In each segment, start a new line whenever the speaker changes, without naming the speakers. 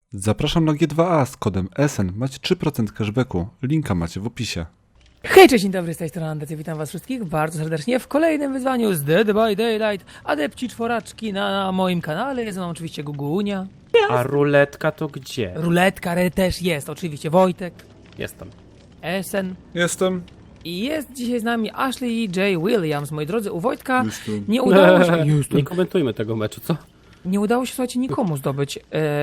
Zapraszam na G2A z kodem SN. Macie 3% cashbacku. Linka macie w opisie.
Hej, cześć, dzień dobry, z tej strony Andrzej, witam was wszystkich bardzo serdecznie w kolejnym wyzwaniu z Dead by Daylight. Adepci czworaczki na moim kanale, jest nam oczywiście Gugunia.
A ruletka to gdzie?
Ruletka też jest, oczywiście Wojtek,
Jestem.
Esen
Jestem.
i jest dzisiaj z nami Ashley J. Williams. Moi drodzy, u Wojtka
Jestem.
nie udało się,
Nie komentujmy tego meczu, co?
nie udało się, słuchajcie, nikomu zdobyć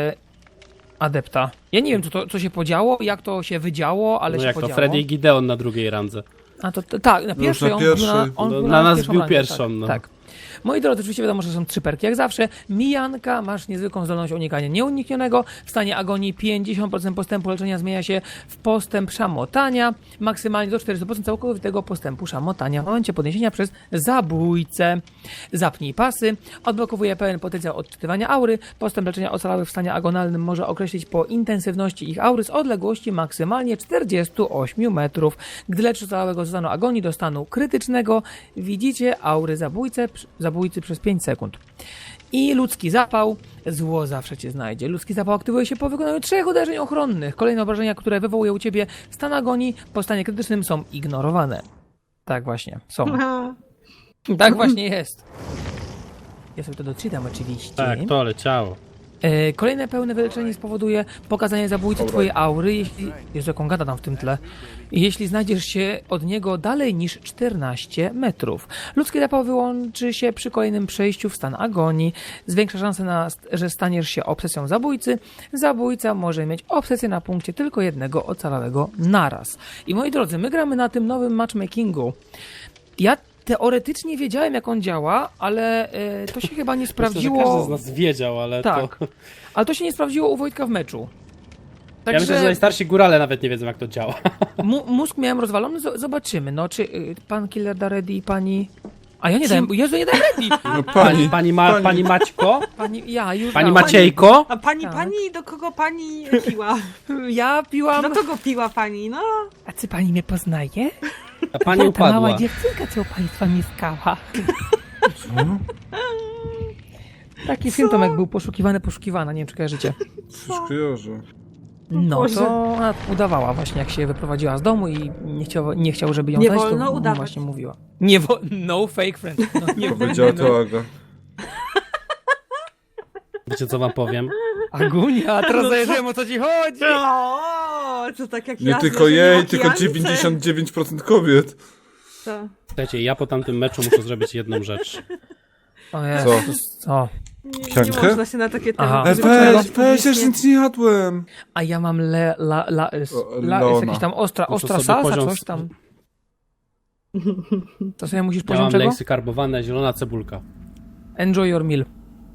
adepta. Ja nie wiem, co się podziało, jak to się wydziało, ale
No
się
jak to
podziało.
Freddy i Gideon na drugiej randze.
A to tak, na pierwszej
na
on
pierwszej.
był on
No,
był
na nas
pierwszą
bił
rangę,
pierwszą,
tak,
no.
tak. Moi drodzy, oczywiście wiadomo, że są 3 perki jak zawsze. Mijanka, masz niezwykłą zdolność unikania nieuniknionego. W stanie agonii 50% postępu leczenia zmienia się w postęp szamotania. Maksymalnie do 400% całkowitego postępu szamotania w momencie podniesienia przez zabójcę. Zapnij pasy. Odblokowuje pełen potencjał odczytywania aury. Postęp leczenia ocalałych w stanie agonalnym może określić po intensywności ich aury z odległości maksymalnie 48 metrów. Gdy leczy ocalałego z stanu agonii do stanu krytycznego, widzicie aury zabójcy przez 5 sekund. I ludzki zapał. Zło zawsze cię znajdzie. Ludzki zapał aktywuje się po wykonaniu 3 uderzeń ochronnych. Kolejne obrażenia, które wywołuje u ciebie stan agonii po stanie krytycznym, są ignorowane. Tak właśnie, są. Tak właśnie jest. Ja sobie to doczytam oczywiście.
Tak, to leciało.
Kolejne pełne wyleczenie spowoduje pokazanie zabójcy twojej aury, jeśli... Jezu, jaką gada tam w tym tle. Jeśli znajdziesz się od niego dalej niż 14 metrów. Ludzki zapał wyłączy się przy kolejnym przejściu w stan agonii. Zwiększa szansę że staniesz się obsesją zabójcy. Zabójca może mieć obsesję na punkcie tylko jednego ocalałego naraz. I moi drodzy, my gramy na tym nowym matchmakingu. Ja teoretycznie wiedziałem, jak on działa, ale to się chyba nie sprawdziło.
Myślę, że każdy z nas wiedział, ale
Tak,
to...
ale to się nie sprawdziło u Wojtka w meczu.
Ja myślę, że najstarsi górale nawet nie wiedzą, jak to działa.
Mózg miałem rozwalony, zobaczymy. No, czy pan Killer da ready i pani... A ja nie dałem, Jezu, nie dałem ready!
No
Pani Maćko?
Ja już
Pani
dałem.
Maciejko?
A pani,
Tak.
pani, do kogo pani piła?
Ja piłam...
Do kogo piła pani, no?
A czy pani mnie poznaje?
A pani
Ta
upadła.
mała dziewczynka, co u państwa mieszkała. Taki film Tomek był poszukiwana, nie wiem, czy kojarzycie.
Coś kojarzę.
No
Boże.
to ona udawała właśnie, jak się wyprowadziła z domu i nie chciał, żeby ją
Nie
znać,
wolno
to
udawać.
właśnie mówiła. No fake friend. No, nie
Powiedziała
wolno.
to Aga.
Wiecie, co wam powiem?
Agunia, teraz
No
zajrzyłem, o co ci chodzi.
O, to tak jak
Nie
ja
tylko
zleżenie
jej,
na
tylko
kijance.
99% kobiet.
To.
Słuchajcie, ja po tamtym meczu muszę zrobić jedną rzecz.
O Jezus, co?
Nie
Piankę?
można się na takie
Aha.
tematy
Weź, ja już nic nie jadłem.
A ja mam jest
Leona.
jakiś tam ostra
Muszę sobie
salsa,
poziom-
coś tam. To sobie musisz
Ja
poziom
mam
czego?
leksy karbowane, zielona cebulka.
Enjoy your meal.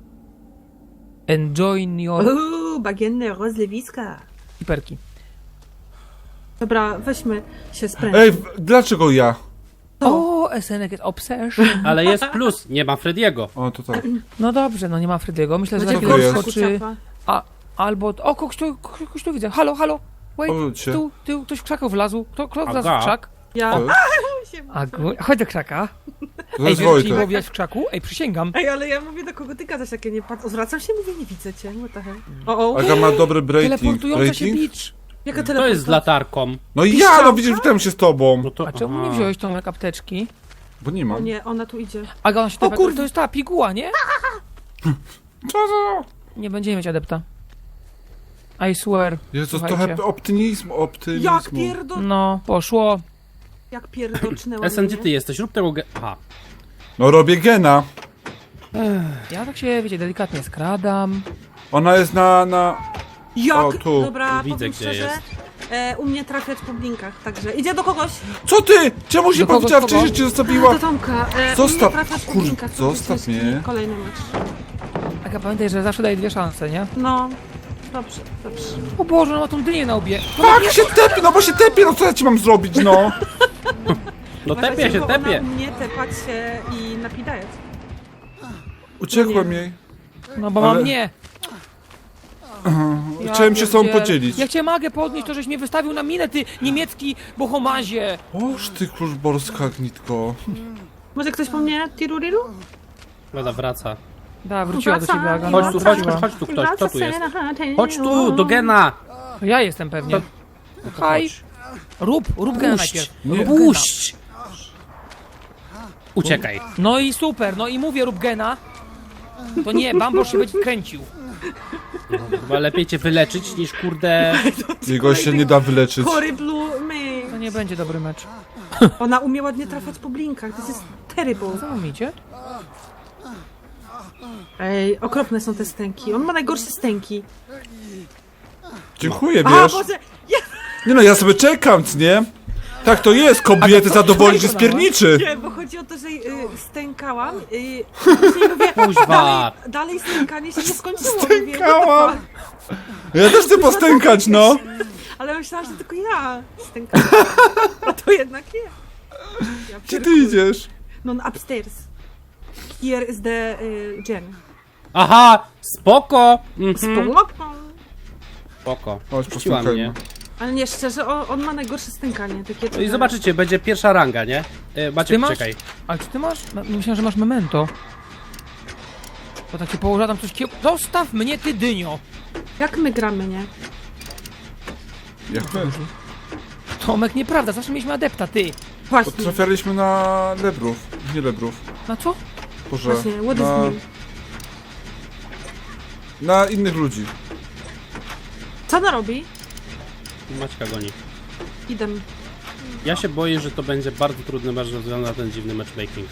Enjoy your
Bagienne rozlewiska.
hiperki.
Dobra, weźmy się sprężyć.
Ej, dlaczego ja?
O, SNK jest obsession.
Ale jest plus, nie ma Frediego.
O, to tak.
No dobrze, no nie ma Frediego. Myślę, że za
Będzie
to
chwilę
jest?
skoczy... Albo... O, kogoś tu widzę. Halo. Wait,
Obróć się.
tu, ktoś w krzakach wlazł. Kto wlazł
Aga.
w krzak?
Ja.
To
Chodź do krzaka.
To
Ej,
jest
wiesz, czy
Wojtek.
było widać w krzaku? Ej, przysięgam.
Ej, ale ja mówię, do kogo ty gadasz, jak ja nie patrzę. Zwracam się, mówię, nie widzę cię. What the hell? O,
Aga ma dobry rating.
Teleportująca się
Rating?
bicz.
jaka
To jest z latarką.
No i ja, no widzisz, witam się z tobą.
No to...
A czemu
aha.
nie wziąłeś tą apteczki?
Bo nie
O
mam.
nie, ona tu idzie.
Aga, ona się
O kurde.
to jest ta piguła, nie?
Co za...
Nie będziemy mieć adepta. I swear.
Jezus,
Słuchajcie.
trochę optymizmu.
Jak pierdo...
No, poszło.
Jak pierdocznęła
Esen,
mnie.
gdzie ty jesteś? Rób tego Aha.
No robię gena.
Ja tak się, wiecie, delikatnie skradam.
Ona jest na...
Jak?
O, tu.
Dobra,
Widzę,
powiem
gdzie
szczerze,
jest.
u mnie trafiać po blinkach, także idzie do kogoś.
Co ty? Czemu się
Do kogo,
powiedziała
kogo?
wcześniej, że cię zostawiła?
Do Tomka.
Zostaw-
U mnie trafiać po
Kurde,
blinkach, to
zostaw
jest
mnie.
Kolejny mecz.
Aga, pamiętaj, że zawsze daje 2 szanse, nie?
No, dobrze.
O Boże, ona ma tą dynię na łbie.
Tak, się tepie, no bo się tepie, no co ja ci mam zrobić, no?
No tepie się,
Ona
tepie.
u mnie tepać się i napidać.
Uciekłem jej.
No bo
Ale-
mam nie.
Chciałem się z tobą
pierdzielę.
podzielić.
Jak cię mogę podnieść, to żeś mnie wystawił na minę, ty niemiecki bohomazie.
Oż ty kruszborska gnitko.
Może ktoś po mnie tiruriru?
Woda wraca.
Da, wróciła do ciebie, Aga.
Chodź
no,
tu, chodź
wróciła.
tu, chodź tu ktoś, kto tu jest? Chodź tu, do Gena!
To ja jestem pewnie. Haj. Rób gena najpierw.
Nie.
Rób
Puść! Uciekaj.
No i super, no i mówię rób gena. To nie, Bambosz się będzie kręcił.
Chyba lepiej cię wyleczyć niż kurde...
Jego się nie da wyleczyć.
Horrible
To
me.
nie będzie dobry mecz.
Ona umie ładnie trafiać po blinkach, to jest terrible.
Co wam idzie?
Ej, okropne są te stęki. On ma najgorsze stęki.
Dziękuję,
A,
wiesz.
Boże, ja
Nie no, ja sobie czekam, nie? Tak to jest, kobiety zadowolić, że spierniczy.
nie, bo chodzi o to, że stękałam. Później mówię,
Kuźwa.
dalej stękanie się nie skończyło.
Stękałam.
Mówię,
Ja też chcę postękać, no.
ale myślałam, że tylko ja stękałam. A to jednak nie. Ja
Gdzie ty idziesz?
No, upstairs. Here is the gen.
Aha! Spoko! Mhm. Spoko.
Chodź,
Puściła
postękajmy.
mnie.
Ale nie, szczerze, on ma najgorsze stękanie. Takie
No i zobaczycie, będzie pierwsza ranga, nie?
Ty
Maciek,
masz?
czekaj.
Ale czy ty masz? No, myślałem, że masz memento. Bo tak się położyła tam coś Zostaw mnie, ty dynio!
Jak my gramy, nie?
Jak my?
Tomek, nieprawda, zawsze mieliśmy adepta, ty.
Właśnie,
Trafialiśmy na lebrów. Nie lebrów.
Na co?
Boże.
właśnie, what is
Na,
new?
na innych ludzi.
Co ona robi?
Maćka goni.
Idę.
Ja się boję, że to będzie bardzo trudny mecz ze względu na ten dziwny matchmaking.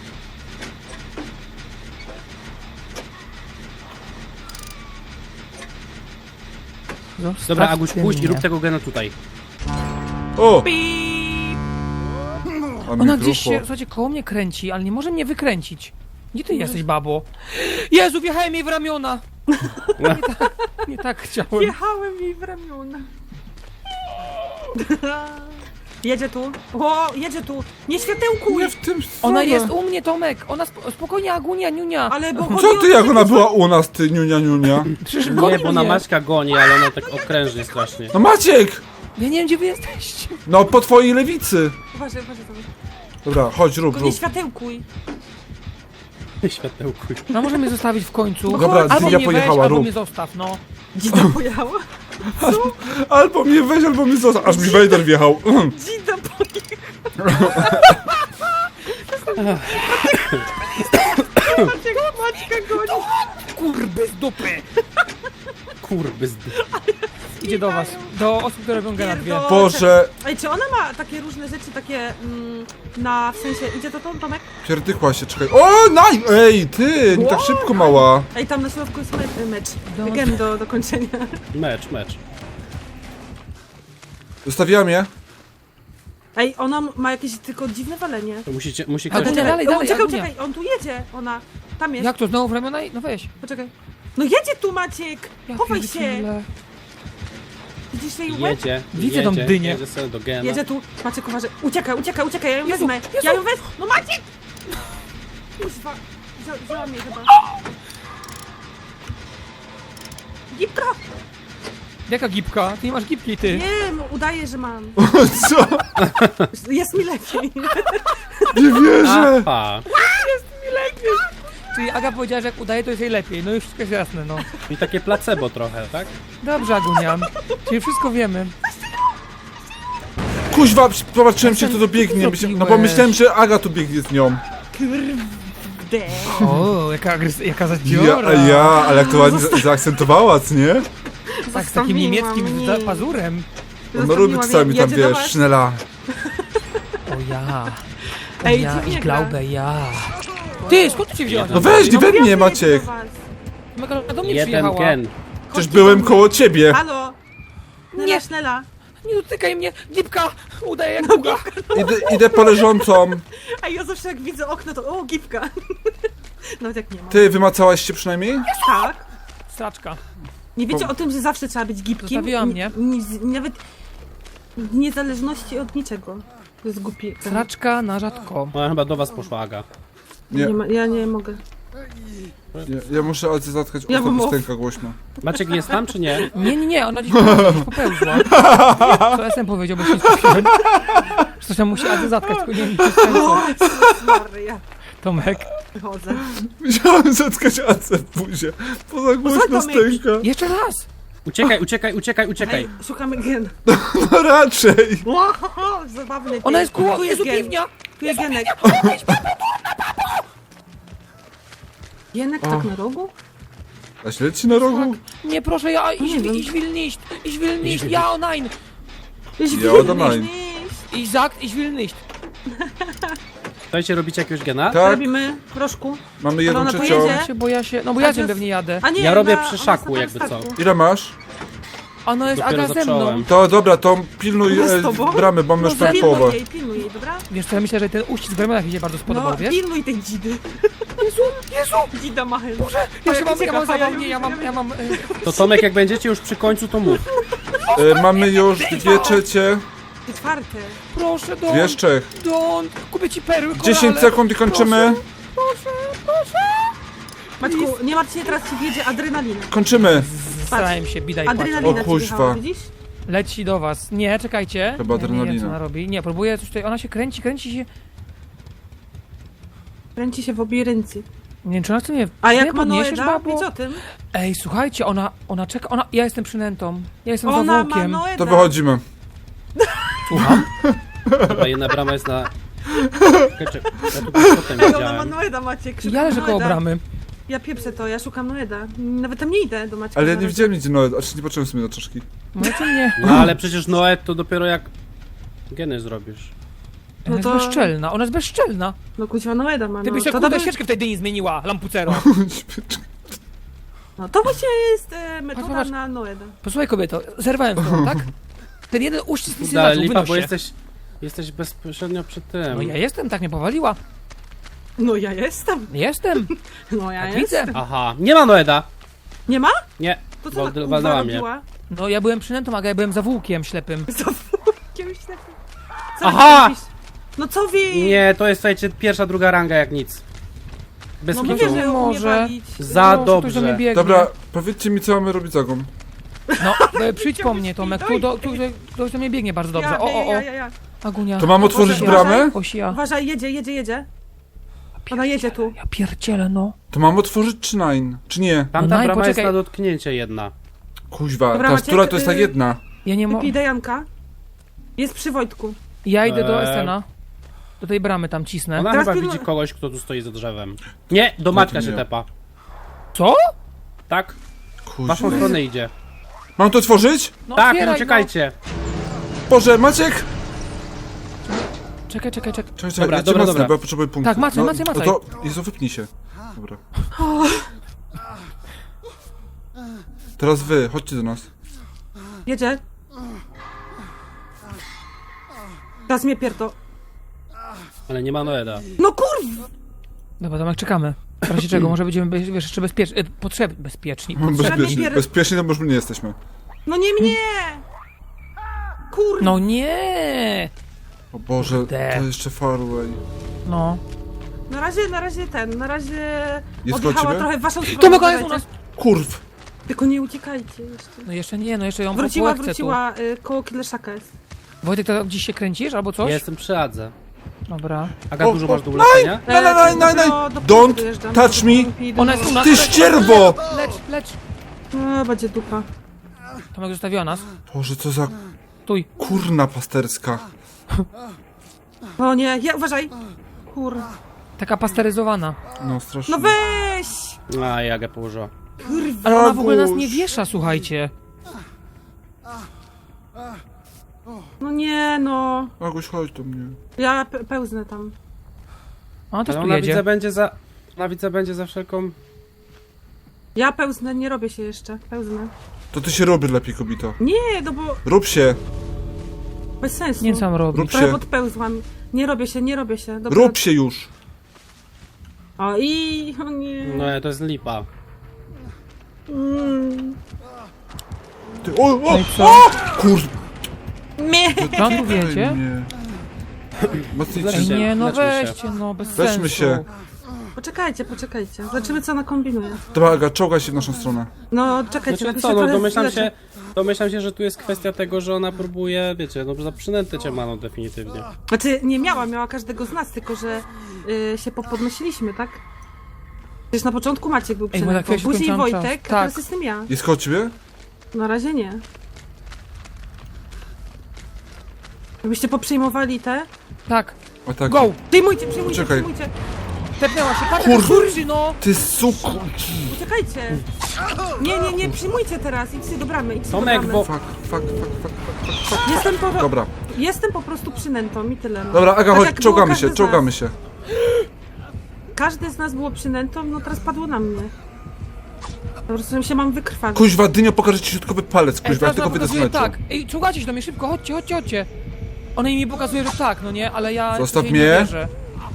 Zostaw
Dobra, Aguś, pójdź i
mnie.
rób tego gena tutaj.
O!
Pip!
A mi
Ona gdzieś się,
grucho.
słuchajcie, koło mnie kręci, ale nie może mnie wykręcić. Gdzie ty jesteś, babo? Jezu, wjechałem jej w ramiona! Nie tak chciałem.
Jechałem jej w ramiona. Jedzie tu. O, jedzie tu. Nie światełkuj!
Nie w tym
Ona
stronę.
jest u mnie, Tomek! Ona spokojnie, Agunia, niunia!
Ale bo chodzi
Co
o
ty,
to,
jak
że
ona
to-
była u nas, ty niunia, niunia?
Przecież
Nie,
goni
bo ona
mnie.
Maćka goni, ale ona tak okrężnie strasznie.
No Maciek!
Ja nie wiem, gdzie wy jesteście.
No po twojej lewicy.
Uważaj, uważaj, uważaj.
Dobra, chodź, rób,
Tylko nie
rób.
światełkuj.
Światełkuj.
No może mnie zostawić w końcu.
Dobra,
albo
Dynia
mnie
pojechała,
weź, albo
rób.
mnie zostaw, no.
Dzida pojechała.
Albo mnie weź, albo mnie zostaw. Aż mi Vader wjechał.
Dzida pojechała. Maćka goni.
Kurby z dupy!
Kurby
Idzie do was. Do osób, które robią gena dwie.
Pierdolę.
Boże,
Ej, czy ona ma takie różne rzeczy, takie w sensie, idzie to Tomek?
pierdykła się, czekaj. O, naj! Ej, ty, nie tak szybko, mała.
Ej, tam na środku jest mecz.
Do-
Gen do kończenia.
Mecz.
Zostawiłam je.
Ej, ona ma jakieś tylko dziwne walenie.
To musi
Ale
ktoś...
to dalej,
Czekaj,
Agunia.
czekaj, on tu jedzie, ona. Tam jest.
Jak to, znowu w ramiona? No weź.
Poczekaj. No jedzie tu, Maciek!
Ja
Chowaj się!
pierdzielę.
Widzisz jej łeb?
Jedzie,
Widzę tą dynię.
jedzie sobie do gena.
Jedzie tu. Maciek, uważaj. Uciekaj, ja ją
Jezu,
wezmę.
Jezu.
Ja ją wezmę. No Maciek! Kuźwa. Wzięła mnie chyba. Gipka!
Jaka gipka? Ty nie masz gipki, ty.
Nie, no, udaję, że mam.
Co?
Jest mi lepiej.
Nie wierzę.
Aha.
Czyli Aga powiedziała, że jak udaje, to jest jej lepiej. No już wszystko jest jasne, no.
I takie placebo trochę, tak?
Dobrze, Agunia. Czyli wszystko wiemy.
Kuźwa, zobaczyłem się, kto to biegnie. No bo myślałem, że Aga tu biegnie z nią.
Kurde.
O, jaka zadziora.
Ale jak to ładnie zaakcentowała, co nie?
Tak, z takim
Zostawiła
niemieckim
mnie.
pazurem.
Ona lubi czasami tam,
Jedzie do
wiesz,
was.
sznela.
O ja. O
Ej,
ja,
co
ich
nie gra?
glaube, ja. Ty, skąd ty się wzięłaś?
No weź, nie we mnie,
Jedzie
Maciek.
do was.
A do mnie
Jeden
przyjechała.
gen.
Przecież
Chodźcie
byłem
do mnie.
koło ciebie.
Halo?
Nie.
Nie, Sznela.
Nie dotykaj mnie, gipka! Udaje jak długa.
Idę po leżącą.
A ja zawsze jak widzę okno, to o, gipka. Nawet jak nie ma.
Ty, wymacałaś się przynajmniej?
Tak.
Straczka.
Nie wiecie o tym, że zawsze trzeba być gipkim?
Zostawiła mnie.
Nawet w niezależności od niczego. To jest głupi.
Straczka na rzadko.
Ona chyba do was poszła, Aga.
Nie,
Ja nie mogę.
ja muszę zatkać
Ja
usta
mam
piosenka głośno.
Maciek jest tam, czy nie?
Nie, ona gdzieś popełzła. Co SM powiedział, bo się nie skupiłem. Coś tam musi Ady zatkać, tylko nie wiem, czy jest sensu.
Maria.
Tomek.
Wychodzę.
Musiałem zatkać Acę w buzie. Poza głośno
Tomek.
stęka.
Jeszcze raz!
Uciekaj.
Ej, szukamy gen.
No raczej.
Wow, zabawny.
Ona jest koło,
Tu
Jezu,
gen.
piwnia!
Tu jest Genek. Genek tak na rogu?
A śledź na rogu?
Nie, proszę, ja,
Nie wiem.
ich will nicht, ja o nein,
Ja oddam.
Izak, ich will nicht.
Słuchajcie, robicie jakiegoś gena?
Tak,
Robimy proszku.
mamy jedną
ona
trzecią.
pojedzie?
Bo ja się, no bo ja
A to
tym
jest-
pewnie jadę.
A nie,
Ja robię
ona
przy
jest
szaku,
na
jakby co.
statku.
Ile masz?
Ono jest
Dopiero
Aga ze mną.
zacząłem.
To dobra, to pilnuj
Ona z tobą?
bramy, bo mamy już prawie połowę.
Pilnuj jej, dobra?
Wiesz co, ja myślę, że ten uścisk w ramionach mi się bardzo spodobał,
No,
wiesz?
pilnuj tej dzidy.
Jezu!
Dzida ma chęć.
Ja mam zabawnie, ja mam...
To Tomek, jak będziecie już przy końcu, to mów.
Mamy już 2/3,
Czwarte.
Proszę, Don,
2/3.
Don, kupię ci perły,
10 sekund i kończymy.
Maćku, nie martw się, teraz ci wjedzie adrenalina.
Kończymy.
Starałem się, bidaj płacz.
Adrenalina
O
ci
kuźwa.
wjechała, widzisz?
Leci do was. Nie, czekajcie.
Chyba
Ja nie wiem,
adrenalina.
co ona robi. Nie, próbuję coś tutaj, ona się kręci się.
Kręci się w obie ręce.
Nie wiem, czy ona chce mnie...
A
nie
jak
podniesiesz,
Manoeda?
babo?
Wiedz o tym.
Ej, słuchajcie, ona czeka, ja jestem przynętą. Ja jestem
Ona
zawółkiem.
Manoeda.
To wychodzimy.
Słucham?
Dobra, jedna brama jest na... Czekaj, ja tu potem
Ej, ona
widziałem.
Manoeda, Maciek.
Ja leżę koło
Manoeda.
bramy.
Ja pieprzę to, ja szukam Noeda. Nawet tam nie idę do Maćka.
Ale ja nie
zaraz.
widziałem nigdzie Noed, a czy nie patrzyłem sobie na czaszki.
Możecie mnie...
No ale przecież Noet to dopiero jak geny zrobisz.
Ona jest
to-
bezczelna, ona jest bezczelna.
No kuźwa Noeda ma,
Ty
no.
byś się
To
kurde
dobry-
świeczkę wtedy nie zmieniła, lampucero.
No to właśnie jest metoda
Zobacz.
na Noeda.
Posłuchaj kobieto, zerwałem z tobą, tak? Ten jeden uścisk nic nie
Ale
znaczył,
lipa,
wynoś
bo
się.
jesteś bezpośrednio przy tym.
No ja jestem, tak mnie powaliła.
No ja jestem.
Jestem,
No ja
tak
jestem.
widzę.
Aha, nie ma Noeda.
Nie ma?
Nie,
To co
walnęła mnie.
robiła?
No ja byłem przynętą, a ja byłem zawółkiem ślepym.
Za jakimś takim... Co
Aha!
robisz? No co wy?
Nie, to jest, słuchajcie, pierwsza, druga ranga jak nic. Bez
No
kitu.
mówię, że umie
Może.
walić.
Za
Proszę, ktoś do mnie
dobrze.
biegnie.
Dobra, powiedzcie mi co mamy robić z Agą.
No, przyjdź po mnie, Tomek, ktoś do mnie biegnie bardzo dobrze.
Ja.
Agunia.
To mam otworzyć
Boże,
bramę?
Osia.
Uważaj, jedzie. Ona jedzie tu.
Ja pierdzielę, no.
To mam otworzyć czy nine? Czy nie?
Tamta
No,
brama jest
poczekaj.
na dotknięcie jedna.
Kuźwa,
Dobra,
ta
Maciek,
która to jest tak jedna.
Ja nie mogę.
Wypij Dejanka. Jest przy Wojtku.
Ja idę do
Eee.
Esena. Do tej bramy tam cisnę.
Ona
Teraz
chyba
pilnu-
widzi kogoś, kto tu stoi za drzewem. Nie, do Maćka
to
się
nie.
tepa.
Co?
Tak? W
Kuźwa.
waszą stronę idzie.
Mam to otworzyć?
No
Tak,
otwieraj,
uciekajcie.
Boże, Maciek!
No. Czekaj.
Czekaj,
Dobra,
ja cię
dobra,
macnę,
dobra.
bo ja potrzebuję punktu.
Tak, macaj.
No to, Jezu, wypnij się. Dobra. Teraz wy, chodźcie do nas.
Jedzie. Teraz mnie pierdo.
Ale nie ma Noeda.
No kurwa!
Dobra, Tomek, czekamy. W razie czego, może będziemy wiesz, jeszcze bezpieczni.
Bezpiecznie,
pier-
bezpiecznie to już my nie jesteśmy.
No nie mnie! Kurwa!
No nie!
O Boże,
Te.
to jeszcze far away.
No.
Na razie
Jest
odjechała
koło ciebie?
trochę w waszą stronę.
Tomek, ona jest u nas!
Kurw!
Tylko nie uciekajcie jeszcze.
No jeszcze nie, no jeszcze ją
Wróciła,
połechcę
koło Killeszaka jest.
tu. Wojtek, to gdzieś się kręcisz albo coś?
Ja jestem przy Adze.
Dobra.
Aga,
O,
dużo
o,
masz do ulepszenia?
Do Don't touch me!
Ona jest u nas!
Ty ścierwo!
Lecz!
No, będzie dupa.
Tomek zostawiła nas.
Boże, co za
Tuj.
kurna pasterska.
O nie, uważaj! Kurwa.
Taka pasteryzowana.
No strasznie.
No weź!
A, Jagę położyła.
Ale ona w ogóle nas
Aguś.
nie wiesza, słuchajcie.
No nie, no.
Aguś, chodź do mnie.
Ja pełznę tam.
Ona też
Ale
tu
ona
jedzie.
widzę będzie za... Ona widzę będzie za wszelką...
Ja pełznę, nie robię się jeszcze. Pełznę.
To ty się robi lepiej, kobito.
Nie, no bo
Rób się,
bez sensu.
Nie sam robi.
rób
Trochę
się.
podpełzłam. Nie robię się. Dobra.
Rób się już.
O nie.
No, to jest lipa.
Ty, o,
No i co?
kur...
Mnie.
Tam tu wiecie?
Nie. Mocniej
Ej,
ciśnie.
nie, no
Leczmy się.
weźcie, no bez
Weźmy
sensu.
się.
Poczekajcie. Zobaczymy, co ona kombinuje.
Dobra, Aga, czołgaj się w naszą stronę.
No, czekajcie,
Znaczy
tak
co,
się
no
trochę
domyślam się, że tu jest kwestia tego, że ona próbuje, wiecie, no za przynętę cię ma, no definitywnie.
Znaczy, nie miała każdego z nas, tylko że się podnosiliśmy, tak? Przecież na początku Maciek był
Ej, bo na
przynętą,
chwilę się
później
skończyłam czas.
Wojtek, a
Tak.
teraz jestem ja.
Jest koło ciebie?
Na razie nie. Jakbyście poprzejmowali te?
Tak,
O tak.
go!
Przyjmujcie,
Czekaj.
Tepnęła się, patrz,
Kur-
kurczy, no!
Ty suku!
Uciekajcie! Nie, przyjmujcie teraz, idźcie do bramy,
Tomek, bo-
Fuck.
Jestem po prostu przynętą i tyle. No.
Dobra, Aga,
Tak
chodź,
jak było
czołgamy
każdy
się,
z
czołgamy
nas.
się.
Każdy z nas było przynętą, no teraz padło na mnie. Po prostu się mam wykrwawić.
Kuźwa, Dynio, pokażę ci środkowy palec, kuźwa, ja
teraz
tylko
ona
wyjdę z
pokazuje
meczu.
tak. Ej, czołgacie się do mnie, szybko, chodźcie. Ona mi pokazuje, że tak, no nie, ale ja
Zostaw
jej
mnie.
nie wierzę.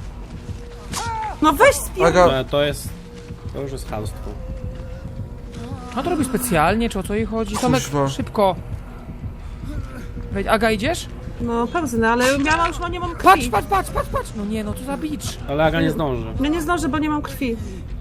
No weź spier...
Aga,
To już jest chamstwo.
A to robi specjalnie, czy o co jej chodzi? Tomek,
Kuźwa.
szybko. Wejdź, Aga, idziesz?
No pełznę, ale ja już nie mam krwi.
Patrz! No nie, no to za bicz.
Ale Aga nie zdąży.
Ja nie zdążę, bo nie mam krwi.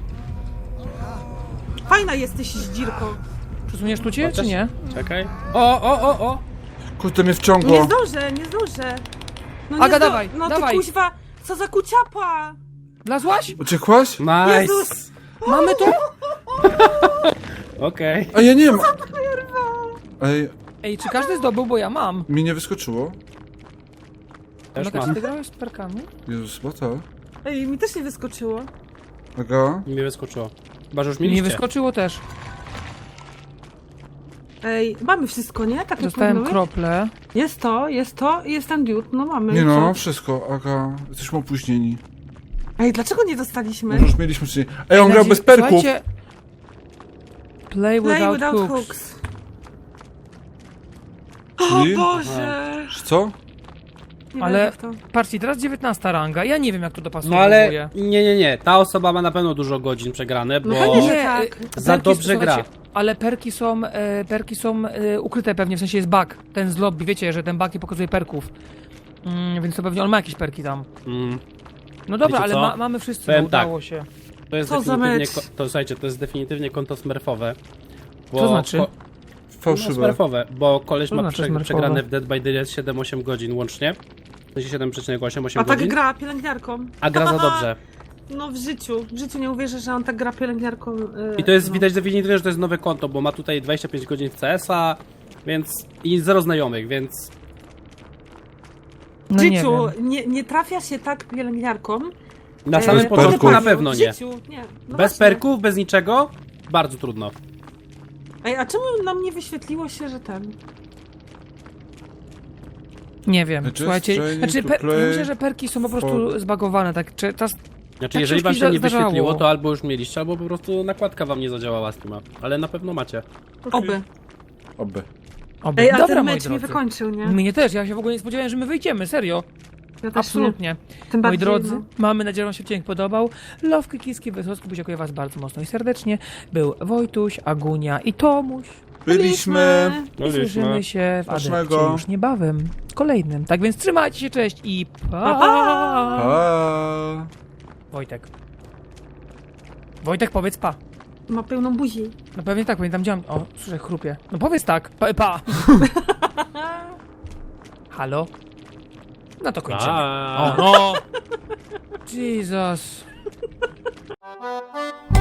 Fajna jesteś zdzirko.
Przesuniesz tu cię, czy nie?
Czekaj. O!
kurde, mnie
Nie
wciągło.
zdążę. No
Aga,
nie
dawaj,
No
dawaj.
ty kuźwa, co za kuciapa!
Wlazłaś?
Uciekłaś?
Nice!
Jezus!
Mamy to?
Okej.
A ja nie mam. Ej,
Ej, czy każdy zdobył, bo ja mam.
mi nie wyskoczyło.
Też
Tomek, czy
mam.
ty grałeś z perkami?
Jezus, bo to.
Ej, mi też nie wyskoczyło.
Aga,
Mi wyskoczyło. Chyba, że już
Mi nie
mieliście.
wyskoczyło też.
Ej, mamy wszystko, nie? Tak jak
Dostałem
mówiłeś?
krople.
Jest to i jest ten diut, no mamy.
nie
i
no,
co?
wszystko, Aga, jesteśmy opóźnieni.
Ej, dlaczego nie dostaliśmy?
Może już mieliśmy wcześniej. Ej, on grał bez perków.
Słuchajcie, Play
Play
without,
without
hooks.
hooks.
Czyli?
O Boże!
Co?
Nie
Ale
wierzę w to.
patrzcie, teraz 19 ranga. Ja nie wiem, jak to dopasuje.
No ale nie. Ta osoba ma na pewno dużo godzin przegrane, bo...
No pewnie, że
Nie,
tak.
Za dobrze gra.
słuchajcie, ale perki są ukryte pewnie, w sensie jest bug. Ten z lobby, wiecie, że ten bug nie pokazuje perków. Więc to pewnie on ma jakieś perki tam.
Mm,
No dobra,
Wiecie
ale
co?
mamy wszyscy,
Powiem
no,
tak.
udało się.
to jest
Co za
definitywnie...
mecz?
To słuchajcie, to jest definitywnie konto smurfowe. Bo
Co znaczy?
No,
Fałszywe.
smurfowe, bo koleś
Co
ma
znaczy smurfowe?
przegrane w Dead by Daylight 7-8 godzin łącznie. W sensie 7,88
A tak
godzin.
gra pielęgniarką.
A gra za dobrze.
No w życiu nie uwierzę, że on tak gra pielęgniarką.
I to jest
no.
widać definitywnie, że to jest nowe konto, bo ma tutaj 25 godzin w CS-a, więc... i zero znajomych, więc...
W
No nie
życiu
wiem.
nie trafia się tak pielęgniarką.
Na samym
Bez
początku
perków.
na pewno
W
nie.
życiu, nie. No
Bez
właśnie.
perków, bez niczego, bardzo trudno.
Ej, a czemu nam nie wyświetliło się, że ten...
Nie wiem,
Just
słuchajcie,
training
znaczy
to
ja
play
myślę, że perki są po prostu zbagowane, tak, czy czas...
Znaczy,
Tak
jeżeli
się
wam
już
się nie
zdarzało.
wyświetliło, to albo już mieliście, albo po prostu nakładka wam nie zadziałała Steama. Ale na pewno macie.
Oby.
Oby.
Oby.
Ej, a
Dobra,
ten
moi
mecz mi
drodzy.
wykończył, nie?
Mnie też, ja się w ogóle nie spodziewałem, że my wyjdziemy, serio.
Ja też
Absolutnie.
Nie. Tym
Moi
bardziej,
drodzy,
no.
mamy nadzieję, że wam się odcinek podobał. Love, Kiski, Wysocki, dziękuję was bardzo mocno i serdecznie. Był Wojtuś, Agunia i Tomuś.
Byliśmy.
I słyszymy się w Adepcie
Smacznego.
już niebawem, kolejnym. Tak więc trzymajcie się, cześć i pa!
Pa.
Wojtek. Wojtek, powiedz pa.
Ma pełną buzi.
No pewnie tak, pamiętam, działam. O, słyszę, chrupie. No powiedz tak, pa. Halo? No to kończymy.
Pa.
O, no! Jesus.